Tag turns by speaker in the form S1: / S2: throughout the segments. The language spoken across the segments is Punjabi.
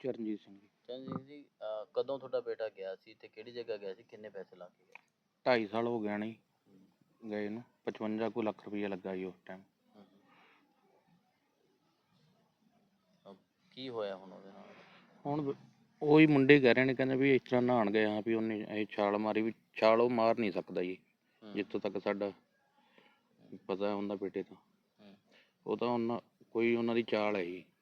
S1: ਚਰਨਜੀਤ ਸਿੰਘ ਜੀ।
S2: ਚੰਜੀਤ ਜੀ, ਕਦੋਂ ਤੁਹਾਡਾ ਬੇਟਾ ਗਿਆ ਸੀ ਤੇ ਕਿਹੜੀ ਜਗ੍ਹਾ ਗਿਆ ਸੀ, ਕਿੰਨੇ ਪੈਸੇ ਲਾ ਕੇ ਗਿਆ?
S1: 2.5 ਸਾਲ ਹੋ ਗਿਆ ਨਹੀਂ ਗਏ ਨੂੰ। 55 ਕੁ ਲੱਖ ਰੁਪਈਆ ਲੱਗਾ ਜੀ ਉਸ ਟਾਈਮ।
S2: ਕੀ ਹੋਇਆ ਹੁਣ ਉਹਦੇ ਨਾਲ?
S1: ਹੁਣ ਉਹੀ ਮੁੰਡੇ ਕਹਿ ਰਹੇ ਨੇ, ਕਹਿੰਦੇ ਵੀ ਇਸ ਤਰ੍ਹਾਂ ਨਹਾਉਣ ਗਏ ਹਾਂ ਵੀ ਉਹਨੇ ਇਹ ਛਾਲ ਮਾਰੀ, ਵੀ ਛਾਲ ਉਹ ਮਾਰ ਨਹੀਂ ਸਕਦਾ ਜੀ ਜਿੱਥੋਂ ਤੱਕ ਸਾਡਾ ਪਤਾ ਹੁੰਦਾ ਬੇਟੇ ਦਾ। ਉਹ ਤਾਂ ਕੋਈ ਉਹਨਾਂ ਦੀ ਚਾਲ ਹੈ ਜੀ,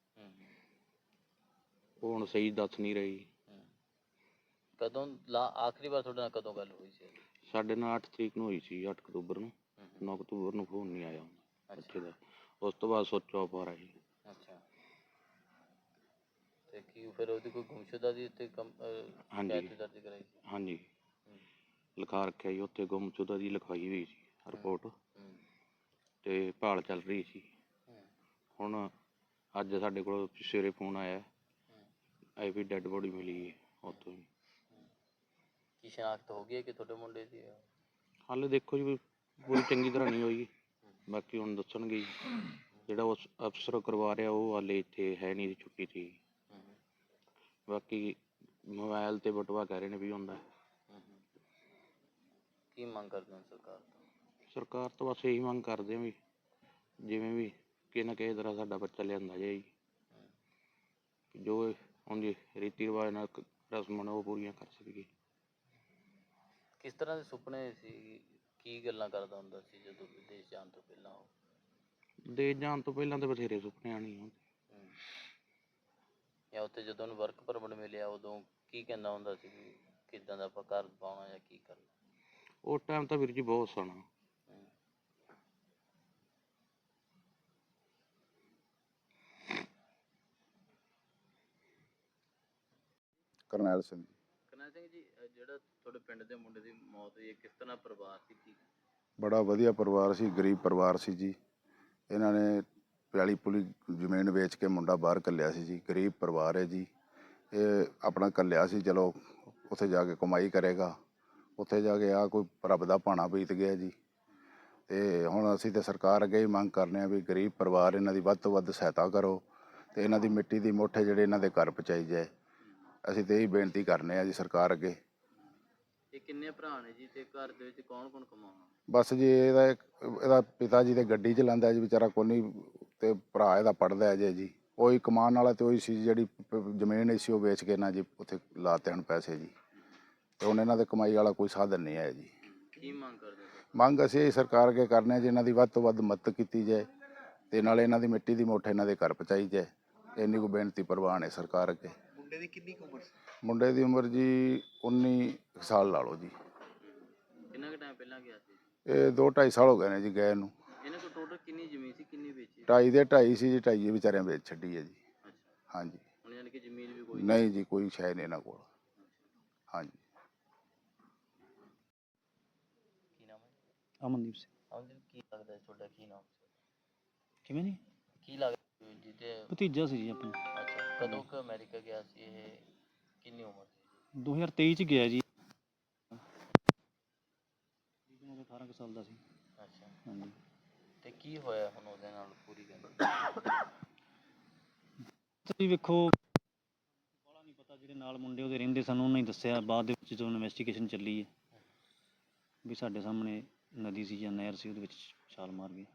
S1: ਉਹ ਹੁਣ ਸਹੀ ਦੱਸ ਨਹੀਂ ਰਹੀ।
S2: ਕਦੋਂ ਆਖਰੀ ਵਾਰ ਤੁਹਾਡੇ ਨਾਲ ਕਦੋਂ ਗੱਲ ਹੋਈ ਸੀ?
S1: ਸਾਡੇ ਨਾਲ 8 ਤਰੀਕ ਨੂੰ ਹੋਈ ਸੀ, 8 ਅਕਤੂਬਰ ਨੂੰ। 9 ਅਕਤੂਬਰ ਨੂੰ ਫੋਨ ਨਹੀਂ ਆਇਆ ਬੱਚੇ ਦਾ। ਉਸ ਤੋਂ ਬਾਅਦ ਸੁੱਚ ਆਫ ਆ ਰਿਹਾ ਜੀ।
S2: ਅੱਛਾ, ਤੇ ਕੀ ਫਿਰ ਉਹਦੀ ਕੋਈ ਗੁੰਮਸ਼ੁਦਾ ਦੀ ਉੱਤੇ
S1: ਹਾਂਜੀ
S2: ਦਰਜ ਕਰਾਈ ਸੀ?
S1: ਹਾਂਜੀ, ਲਿਖਾ ਰੱਖਿਆ ਜੀ ਉੱਥੇ, ਗੁੰਮਸ਼ੁਦਾ ਦੀ ਲਿਖਵਾਈ ਹੋਈ ਸੀ ਰਿਪੋਰਟ, ਤੇ ਭਾਲ ਚੱਲ ਰਹੀ ਸੀ। ਹੁਣ ਅੱਜ ਸਾਡੇ ਕੋਲ ਸਵੇਰੇ ਫੋਨ ਆਇਆ ਇਹ ਵੀ ਡੈੱਡ ਬੋਡੀ ਮਿਲੀ ਹੈ ਉੱਥੋਂ ਹੀ।
S2: ਕੀ ਸ਼ਨਾਖਤ ਹੋ ਗਈ ਹੈ ਕਿ ਤੁਹਾਡੇ ਮੁੰਡੇ ਦੀ?
S1: ਹਾਲੇ ਦੇਖੋ ਜੀ, ਪੂਰੀ ਚੰਗੀ ਤਰ੍ਹਾਂ ਨਹੀਂ ਹੋਈ, ਬਾਕੀ ਹੁਣ ਦੱਸਣਗੇ ਜੀ। ਜਿਹੜਾ ਉਸ ਅਫਸਰ ਕਰਵਾ ਰਿਹਾ ਉਹ ਹਾਲੇ ਇੱਥੇ ਹੈ ਨਹੀਂ, ਛੁੱਟੀ 'ਤੇ। ਬਾਕੀ ਮੋਬਾਇਲ 'ਤੇ ਬਟੂਆ ਕਹਿ ਰਹੇ ਨੇ ਵੀ ਹੁੰਦਾ।
S2: ਕੀ ਮੰਗ ਕਰਦੇ ਹੋ ਸਰਕਾਰ ਤੋਂ?
S1: ਸਰਕਾਰ ਤੋਂ ਬਸ ਇਹੀ ਮੰਗ ਕਰਦੇ ਹਾਂ ਵੀ ਜਿਵੇਂ ਵੀ ਕਿਸੇ ਨਾ ਕਿਸੇ ਤਰ੍ਹਾਂ ਸਾਡਾ ਬੱਚਾ ਲਿਆਂਦਾ ਜਾਏ ਜੀ। ਜੋ ਉਹਦੀ ਰੀਤੀ ਰਿਵਾਜ ਨਾਲ ਰਸਮਾਂ ਉਹ ਪੂਰੀਆਂ ਕਰ ਸਕੀਏ।
S2: ਕਿਸ ਤਰ੍ਹਾਂ ਦੇ ਸੁਪਨੇ ਸੀ, ਕੀ ਗੱਲਾਂ ਕਰਦਾ ਹੁੰਦਾ ਸੀ ਜਦੋਂ ਵਿਦੇਸ਼ ਜਾਣ ਤੋਂ ਪਹਿਲਾਂ?
S1: ਵਿਦੇਸ਼ ਜਾਣ ਤੋਂ ਪਹਿਲਾਂ ਤਾਂ ਬਥੇਰੇ ਸੁਪਨੇ ਆਉਣੇ ਹੁੰਦੇ।
S2: ਜਾਂ ਉੱਥੇ ਜਦੋਂ ਉਹਨੂੰ ਵਰਕ ਪਰਮਿਟ ਮਿਲਿਆ ਉਦੋਂ ਕੀ ਕਹਿੰਦਾ ਹੁੰਦਾ ਸੀ ਵੀ ਕਿੱਦਾਂ ਦਾ ਆਪਾਂ ਘਰ ਪਾਉਣਾ ਜਾਂ ਕੀ ਕਰਨਾ?
S1: ਉਸ ਟਾਈਮ ਤਾਂ ਵੀਰ ਜੀ ਬਹੁਤ ਸੋਹਣਾ।
S3: ਕਰਨੈਲ ਸਿੰਘ ਜੀ।
S2: ਕਰਨੈਲ ਸਿੰਘ ਜੀ, ਜਿਹੜਾ ਤੁਹਾਡੇ ਪਿੰਡ ਦੇ ਮੁੰਡੇ ਦੀ ਮੌਤ ਹੋਈ ਹੈ, ਕਿਸ ਤਰ੍ਹਾਂ ਪਰਿਵਾਰ ਸੀ? ਕੀ
S3: ਬੜਾ ਵਧੀਆ ਪਰਿਵਾਰ ਸੀ, ਗਰੀਬ ਪਰਿਵਾਰ ਸੀ ਜੀ। ਇਹਨਾਂ ਨੇ ਪਿਆਲੀ ਪੁਲੀ ਜ਼ਮੀਨ ਵੇਚ ਕੇ ਮੁੰਡਾ ਬਾਹਰ ਘੱਲਿਆ ਸੀ ਜੀ। ਗਰੀਬ ਪਰਿਵਾਰ ਹੈ ਜੀ। ਇਹ ਆਪਣਾ ਘੱਲਿਆ ਸੀ, ਚਲੋ ਉੱਥੇ ਜਾ ਕੇ ਕਮਾਈ ਕਰੇਗਾ। ਉੱਥੇ ਜਾ ਕੇ ਕੋਈ ਰੱਬ ਦਾ ਭਾਣਾ ਬੀਤ ਗਿਆ ਜੀ। ਅਤੇ ਹੁਣ ਅਸੀਂ ਤਾਂ ਸਰਕਾਰ ਅੱਗੇ ਹੀ ਮੰਗ ਕਰਨੇ ਹਾਂ ਵੀ ਗਰੀਬ ਪਰਿਵਾਰ ਇਹਨਾਂ ਦੀ ਵੱਧ ਤੋਂ ਵੱਧ ਸਹਾਇਤਾ ਕਰੋ ਅਤੇ ਇਹਨਾਂ ਦੀ ਮਿੱਟੀ ਦੀ ਮੁੱਠ ਜਿਹੜੇ ਇਹਨਾਂ ਦੇ ਘਰ ਪਹੁੰਚਾਈ ਜਾਏ। ਅਸੀਂ ਤਾਂ ਇਹੀ ਬੇਨਤੀ ਕਰਨੇ ਹਾਂ ਜੀ ਸਰਕਾਰ ਅੱਗੇ।
S2: ਇਹ ਕਿੰਨੇ ਭਰਾ ਨੇ ਜੀ, ਤੇ ਘਰ ਦੇ ਵਿੱਚ ਕੌਣ ਕੌਣ ਕਮਾਉਣਾ?
S3: ਬਸ ਜੀ ਇਹਦਾ ਪਿਤਾ ਜੀ ਤੇ ਗੱਡੀ ਚਲਾਉਂਦਾ ਜੀ ਵਿਚਾਰਾ, ਕੋਈ ਤੇ ਭਰਾ ਇਹਦਾ ਪੜ੍ਹਦਾ ਹੈ ਜੀ। ਉਹੀ ਕਮਾਉਣ ਵਾਲਾ ਤੇ ਉਹੀ ਸੀ, ਜਿਹੜੀ ਜ਼ਮੀਨ ਸੀ ਉਹ ਵੇਚ ਕੇ ਨਾ ਜੀ ਉੱਥੇ ਲਾਤੇ ਹਨ ਪੈਸੇ ਜੀ। ਤੇ ਹੁਣ ਇਹਨਾਂ ਦੇ ਕਮਾਈ ਵਾਲਾ ਕੋਈ ਸਾਧਨ ਨਹੀਂ ਹੈ ਜੀ।
S2: ਕੀ ਮੰਗ ਕਰਦੇ ਹੋ?
S3: ਮੰਗ ਅਸੀਂ ਇਹ ਸਰਕਾਰ ਅੱਗੇ ਕਰਨੇ ਹਾਂ ਜੀ, ਇਹਨਾਂ ਦੀ ਵੱਧ ਤੋਂ ਵੱਧ ਮਦਦ ਕੀਤੀ ਜਾਏ ਤੇ ਨਾਲੇ ਇਹਨਾਂ ਦੀ ਮਿੱਟੀ ਦੀ ਮੁੱਠ ਇਹਨਾਂ ਦੇ ਘਰ ਪਹੁੰਚਾਈ ਜਾਏ। ਇੰਨੀ ਕੁ ਬੇਨਤੀ ਪ੍ਰਵਾਨ ਹੈ ਸਰਕਾਰ ਅੱਗੇ।
S4: ਮੁੰਡੇ ਦੀ ਕਿੰਨੀ ਕੁ ਉਮਰ ਸੀ?
S3: ਮੁੰਡੇ ਦੀ ਉਮਰ ਜੀ 19 ਸਾਲ ਲਾ ਲਓ ਜੀ।
S2: ਕਿੰਨਾ ਕੁ ਟਾਈਮ ਪਹਿਲਾਂ ਗਿਆ ਸੀ?
S3: ਇਹ 2-2.5 ਸਾਲ ਹੋ ਗਏ ਨੇ ਜੀ ਗਏ ਨੂੰ।
S2: ਇਹਨਾਂ ਕੋਲ ਟੋਟਲ ਕਿੰਨੀ ਜ਼ਮੀਨ ਸੀ, ਕਿੰਨੀ ਵੇਚੀ?
S3: 2.5 ਦੇ 2.5 ਸੀ ਜੀ, 2.5 ਵਿਚਾਰਿਆਂ ਵੇਚ ਛੱਡੀ ਹੈ ਜੀ।
S2: ਅੱਛਾ,
S3: ਹਾਂਜੀ।
S2: ਹੁਣ ਯਾਨੀ ਕਿ ਜ਼ਮੀਨ ਵੀ ਕੋਈ
S3: ਨਹੀਂ ਜੀ, ਕੋਈ ਸ਼ੈ ਨਹੀਂ ਇਹਨਾਂ ਕੋਲ। ਹਾਂਜੀ।
S2: ਕੀ ਨਾਮ ਹੈ?
S5: ਅਮਨਦੀਪ ਸਿੰਘ।
S2: ਅਮਨਦੀਪ, ਕੀ ਲੱਗਦਾ ਤੁਹਾਡਾ, ਕੀ ਨਾਮ ਸੀ?
S5: ਕਿਵੇਂ ਜੀ?
S2: ਕੀ ਲੱਗਦਾ ਜੀ? ਤੇ
S5: ਭਤੀਜਾ ਸੀ ਜੀ ਆਪਣਾ।
S2: ਅੱਛਾ, ਕਦੋਂ ਕੁ ਅਮਰੀਕਾ ਗਿਆ ਸੀ ਇਹ? ਕਿੰਨੀ ਉਮਰ ਸੀ?
S5: 2023 ਚ ਗਿਆ ਜੀ। 18 ਕੁ ਸਾਲ ਦਾ ਸੀ।
S2: ਅੱਛਾ,
S5: ਹਾਂਜੀ।
S2: ਤੇ ਕੀ ਹੋਇਆ ਹੁਣ ਉਹਦੇ ਨਾਲ, ਪੂਰੀ ਗੱਲ?
S5: ਤੁਸੀਂ ਵੇਖੋ, ਬਾਹਲਾ ਨਹੀਂ ਪਤਾ, ਜਿਹੜੇ ਨਾਲ ਮੁੰਡੇ ਉਹਦੇ ਰਹਿੰਦੇ ਸਨ ਉਹਨਾਂ ਹੀ ਦੱਸਿਆ ਬਾਅਦ ਦੇ ਵਿੱਚ ਜਦੋਂ ਇਨਵੈਸਟੀਗੇਸ਼ਨ ਚੱਲੀ ਹੈ ਵੀ ਸਾਡੇ ਸਾਹਮਣੇ ਨਦੀ ਸੀ ਜਾਂ ਨਹਿਰ ਸੀ, ਉਹਦੇ ਵਿੱਚ ਛਾਲ ਮਾਰ ਗਏ।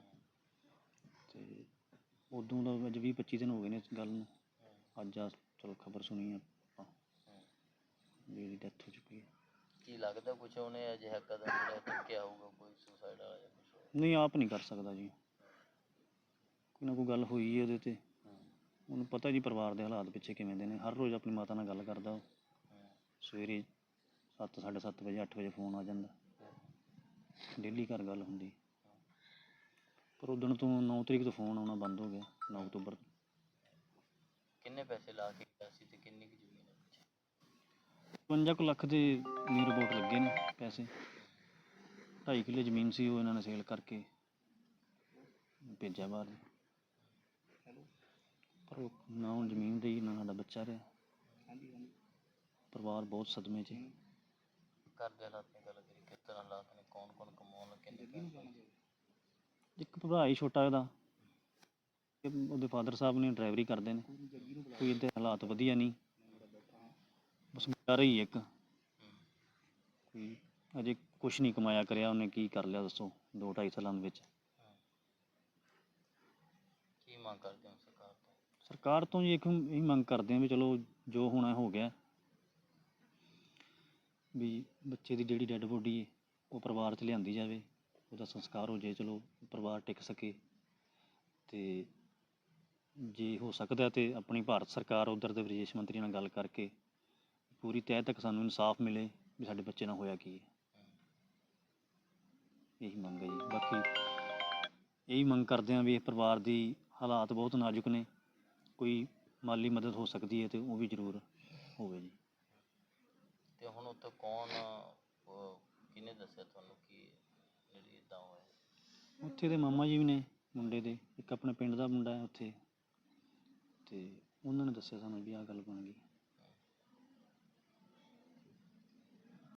S5: ਤੇ ਉਦੋਂ ਦਾ ਅੱਜ 20-25 ਦਿਨ ਹੋ ਗਏ ਨੇ ਇਸ ਗੱਲ ਨੂੰ। ਅੱਜ ਆ ਚਲੋ ਖਬਰ ਸੁਣੀ ਆਪਾਂ ਵੀ ਇਹਦੀ ਡੈਥ ਹੋ ਚੁੱਕੀ ਹੈ।
S2: ਕੀ ਲੱਗਦਾ ਕੁਛ ਉਹਨੇ ਅਜਿਹਾ ਕਦਮ ਜਿਹੜਾ ਚੁੱਕਿਆ ਹੋਊਗਾ, ਕੋਈ ਸੁਸਾਈਡ ਵਾਲਾ ਜਾਂ ਕੁਛ?
S5: ਨਹੀਂ, ਆਪ ਨਹੀਂ ਕਰ ਸਕਦਾ ਜੀ। ਕੋਈ ਨਾ ਕੋਈ ਗੱਲ ਹੋਈ ਹੈ ਉਹਦੇ 'ਤੇ। ਉਹਨੂੰ ਪਤਾ ਜੀ ਪਰਿਵਾਰ ਦੇ ਹਾਲਾਤ ਪਿੱਛੇ ਕਿਵੇਂ ਦੇ ਨੇ। ਹਰ ਰੋਜ਼ ਆਪਣੀ ਮਾਤਾ ਨਾਲ ਗੱਲ ਕਰਦਾ ਉਹ। ਸਵੇਰੇ 7, 7:30 ਵਜੇ, 8 ਵਜੇ ਫੋਨ ਆ ਜਾਂਦਾ। ਡੇਲੀ ਘਰ ਗੱਲ ਹੁੰਦੀ। ਪਰ ਉਦਣ ਤੋਂ 9 ਤਰੀਕ ਤੋਂ ਫੋਨ ਆਉਣਾ ਬੰਦ ਹੋ ਗਿਆ, 9 ਅਕਤੂਬਰ ਤੋਂ।
S2: ਕਿੰਨੇ ਪੈਸੇ ਲਾ ਕੇ ਗਿਆ ਸੀ ਤੇ ਕਿੰਨੀ ਕੁ ਜ਼ਮੀਨ ਹੈ ਪਿੱਛੇ?
S5: 55 ਕੁ ਲੱਖ ਦੇ ਨੀਅਰ ਅਬਾਊਟ ਲੱਗੇ ਨੇ ਪੈਸੇ। 2.5 ਕਿੱਲੇ ਜ਼ਮੀਨ ਸੀ, ਉਹ ਇਹਨਾਂ ਨੇ ਸੇਲ ਕਰਕੇ ਭੇਜਿਆ ਬਾਹਰ। ਪਰ ਉਹ ਨਾ ਹੁਣ ਜ਼ਮੀਨ ਰਹੀ, ਨਾ ਸਾਡਾ ਬੱਚਾ ਰਿਹਾ। ਪਰਿਵਾਰ ਬਹੁਤ ਸਦਮੇ 'ਚ।
S2: ਘਰ ਦੇ ਹਾਲਾਤ ਦੀ ਗੱਲ ਕਰੀ, ਕਿਸ ਤਰ੍ਹਾਂ ਹਾਲਾਤ ਨੇ? ਕੌਣ ਕੌਣ ਕਮਾਉਣ ਲੱਗੇ ਨੇ?
S5: ਇੱਕ ਭਰਾ ਹੀ ਛੋਟਾ ਉਹਦਾ, ਕਿ ਉਹਦੇ ਫਾਦਰ ਸਾਹਿਬ ਨੇ ਡਰਾਈਵਰੀ ਕਰਦੇ ਨੇ, ਕੋਈ ਇਹਦੇ ਹਾਲਾਤ ਵਧੀਆ ਨਹੀਂ, ਬਸ ਵਿਚਾਰਾ ਹੀ ਇੱਕ ਕੋਈ ਅਜੇ ਕੁਛ ਨਹੀਂ ਕਮਾਇਆ ਕਰਿਆ ਉਹਨੇ, ਕੀ ਕਰ ਲਿਆ ਦੱਸੋ 2-2.5 ਸਾਲਾਂ ਦੇ ਵਿੱਚ।
S2: ਕੀ ਮੰਗ ਕਰਦੇ ਹੋ ਸਰਕਾਰ ਤੋਂ?
S5: ਸਰਕਾਰ ਤੋਂ ਜੀ ਇੱਕ ਇਹੀ ਮੰਗ ਕਰਦੇ ਹਾਂ ਵੀ ਚਲੋ ਜੋ ਹੋਣਾ ਹੋ ਗਿਆ, ਵੀ ਬੱਚੇ ਦੀ ਜਿਹੜੀ ਡੈੱਡ ਬੋਡੀ ਹੈ ਉਹ ਪਰਿਵਾਰ 'ਚ ਲਿਆਂਦੀ ਜਾਵੇ, ਉਹਦਾ ਸੰਸਕਾਰ ਹੋ ਜਾਏ, ਚਲੋ ਪਰਿਵਾਰ ਟਿਕ ਸਕੇ। ਅਤੇ ਜੇ ਹੋ ਸਕਦਾ ਤਾਂ ਆਪਣੀ ਭਾਰਤ ਸਰਕਾਰ ਉੱਧਰ ਦੇ ਵਿਦੇਸ਼ ਮੰਤਰੀ ਨਾਲ ਗੱਲ ਕਰਕੇ ਪੂਰੀ ਤਹਿ ਤੱਕ ਸਾਨੂੰ ਇਨਸਾਫ ਮਿਲੇ ਵੀ ਸਾਡੇ ਬੱਚੇ ਨਾਲ ਹੋਇਆ ਕੀ ਹੈ। ਇਹੀ ਮੰਗ ਹੈ ਜੀ। ਬਾਕੀ ਇਹੀ ਮੰਗ ਕਰਦੇ ਹਾਂ ਵੀ ਇਹ ਪਰਿਵਾਰ ਦੀ ਹਾਲਾਤ ਬਹੁਤ ਨਾਜ਼ੁਕ ਨੇ, ਕੋਈ ਮਾਲੀ ਮਦਦ ਹੋ ਸਕਦੀ ਹੈ ਤਾਂ ਉਹ ਵੀ ਜ਼ਰੂਰ ਹੋਵੇ ਜੀ।
S2: ਤੇ ਹੁਣ ਉੱਥੇ ਕੌਣ ਕਿਹਨੇ ਦੱਸਿਆ ਤੁਹਾਨੂੰ ਕਿ ਜਿਹੜੀ ਇੱਦਾਂ ਹੋਇਆ?
S5: ਉੱਥੇ ਦੇ ਮਾਮਾ ਜੀ ਵੀ ਨੇ ਮੁੰਡੇ ਦੇ, ਇੱਕ ਆਪਣੇ ਪਿੰਡ ਦਾ ਮੁੰਡਾ ਹੈ ਉੱਥੇ, ਅਤੇ ਉਹਨਾਂ ਨੇ ਦੱਸਿਆ ਸਾਨੂੰ ਵੀ ਆਹ ਗੱਲ ਬਣ ਗਈ।